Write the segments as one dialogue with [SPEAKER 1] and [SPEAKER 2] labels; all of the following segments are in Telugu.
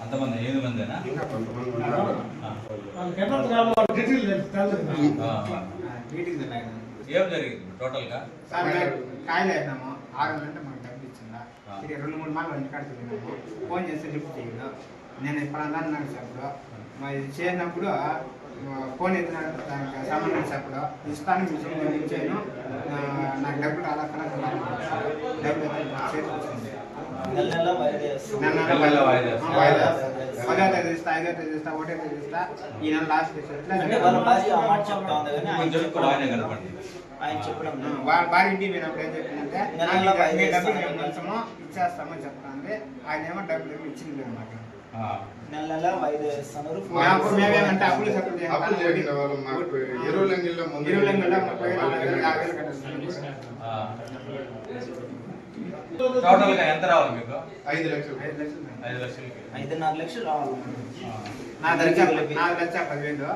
[SPEAKER 1] అంతమంది 8 మందేనా? ఏం జరిగింది టోటల్ గా?
[SPEAKER 2] కాయలు వేసినాము 6 గంటలు మాకు డబ్బు ఇచ్చిందా, ఇది 2-3 మార్లు ఇంటికాడ తిరిగినాము. ఫోన్ చేస్తే లిఫ్ట్ చేయడు. నేను ఇప్పుడు అన్నాడు చెప్పడు, మరి చేసినప్పుడు ఫోన్ ఎత్తినాడు, దానికి సంబంధించి చెప్పడు, ఇస్తాను మీకు ఇచ్చాను, నాకు డబ్బులు అలా కనెక్ట్ డబ్బులు చేతికి వచ్చింది. వాయిదా 10వ తేదీ ఇస్తా, 5వ తేదీ ఇస్తా, 1వ తేదీ ఇస్తా, ఈ నెల లాస్ట్ భార్య ఇంటికి పోయినప్పుడు ఏం చెప్పిందంటే డబ్బులు మేము కొంచెము ఇచ్చేస్తామని చెప్తాంది. ఆయన ఏమో డబ్బులు ఏమో ఇచ్చింది అనమాట.
[SPEAKER 3] నెల వాయిదా వేస్తున్నారు.
[SPEAKER 2] మేమేమంటే అప్పులు సపోర్ట్
[SPEAKER 1] టోటల్ గా ఎంత రావాలి మీకు?
[SPEAKER 2] 5 లక్షలు
[SPEAKER 3] 5.5 లక్షలు రావాలి.
[SPEAKER 2] నా దగ్గర 4,10,000.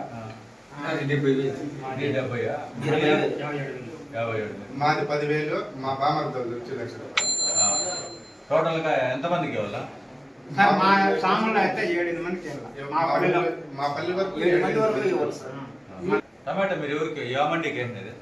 [SPEAKER 4] మాది 10,000, మా బామర్దలు 2 లక్షలు.
[SPEAKER 1] టోటల్ గా ఎంత మందికి ఇవ్వాలా?
[SPEAKER 2] సార్ మా సామాన్లు అయితే 7-8 మందికి
[SPEAKER 4] మా పల్లె వరకు
[SPEAKER 3] 7 మంది వరకు ఇవ్వాలి సార్.
[SPEAKER 1] టమాటా మీరు ఎవరికి ఏ మండికి ఏంటిది?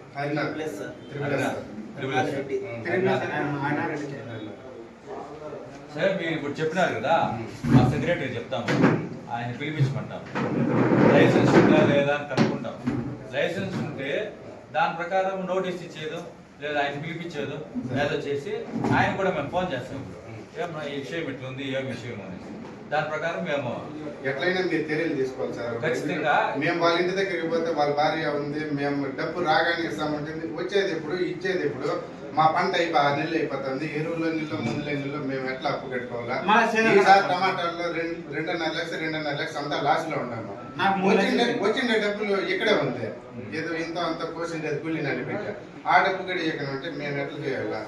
[SPEAKER 1] సరే మీరు ఇప్పుడు చెప్పినారు కదా, మా సెక్రటరీ చెప్తాము, ఆయన పిలిపించమంటాం. లైసెన్స్ ఉందా లేదా అని కనుక్కుంటాం. లైసెన్స్ ఉంటే దాని ప్రకారం నోటీస్ ఇచ్చేదో లేదా ఆయన పిలిపించేదో ఏదో చేసి ఆయన కూడా మేము ఫోన్ చేస్తాం. ఇప్పుడు ఈ విషయం ఇట్లుంది, ఏం విషయం అనేసి దాని ప్రకారం మేము
[SPEAKER 4] ఎట్లయినా మీరు చర్యలు తీసుకోవాలి సార్.
[SPEAKER 1] ఖచ్చితంగా
[SPEAKER 4] మేము వాళ్ళ ఇంటి దగ్గరికి పోతే వాళ్ళ భార్య ఉంది, మేము డబ్బు రాగానే ఇస్తామంటుంది, వచ్చేది ఎప్పుడు ఇచ్చేది ఎప్పుడు? మా పంట 6 నెలలు అయిపోతుంది, ఎరువుల నీళ్ళు మందుల నీళ్ళు మేము ఎట్లా అప్పు కట్టుకోవాలా? ఈసారి టమాటాల్లో 2.5 లక్షలు అంతా లాస్ లో ఉన్నాము. వచ్చిండే డబ్బులు ఇక్కడే ఉంది, ఏదో ఇంత అంత కోసిండే కూలి నడిపెట్టా ఆ డబ్బు కూడా ఇక్కడ ఉంటే మేము ఎట్లా చేయాలా?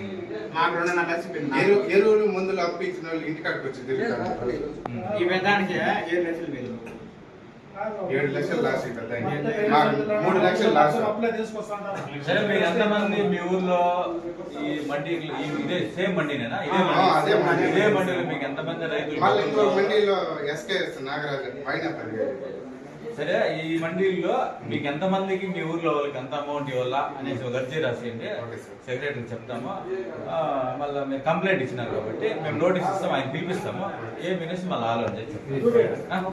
[SPEAKER 4] ఎరువులు మందులు అప్పు ఇచ్చిన వాళ్ళు ఇంటికాడికి వచ్చి తిరుగుతారు.
[SPEAKER 2] ఈ పెద్దానికి 7 లక్షలు వేలు,
[SPEAKER 4] 7 లక్షలు లాస్ అయిపోతుంది, 3 లక్షలు లాస్.
[SPEAKER 1] సరే మీరు ఎంతమంది మీ ఊర్లో ఈ మండి ఇదే సేమ్ మండినేనా? ఇదే మండిలో మీకు ఎంతమంది రైతులు?
[SPEAKER 4] మళ్ళీ ఇంకో మండీలో ఎస్కేఎస్ నాగరాజు పైన
[SPEAKER 1] సరే ఈ మండీల్లో మీకు ఎంతమందికి మీ ఊర్లో వాళ్ళకి ఎంత అమౌంట్ ఇవ్వాలా అనేసి ఒక అర్జీ రాసేయండి, సెక్రటరీకి చెప్తాము. మళ్ళీ మీరు కంప్లైంట్ ఇచ్చినారు కాబట్టి మేము నోటీస్ ఇస్తాము, ఆయన పిలిపిస్తాము, ఏం వినేసి మళ్ళీ ఆలోచన చేస్తాం.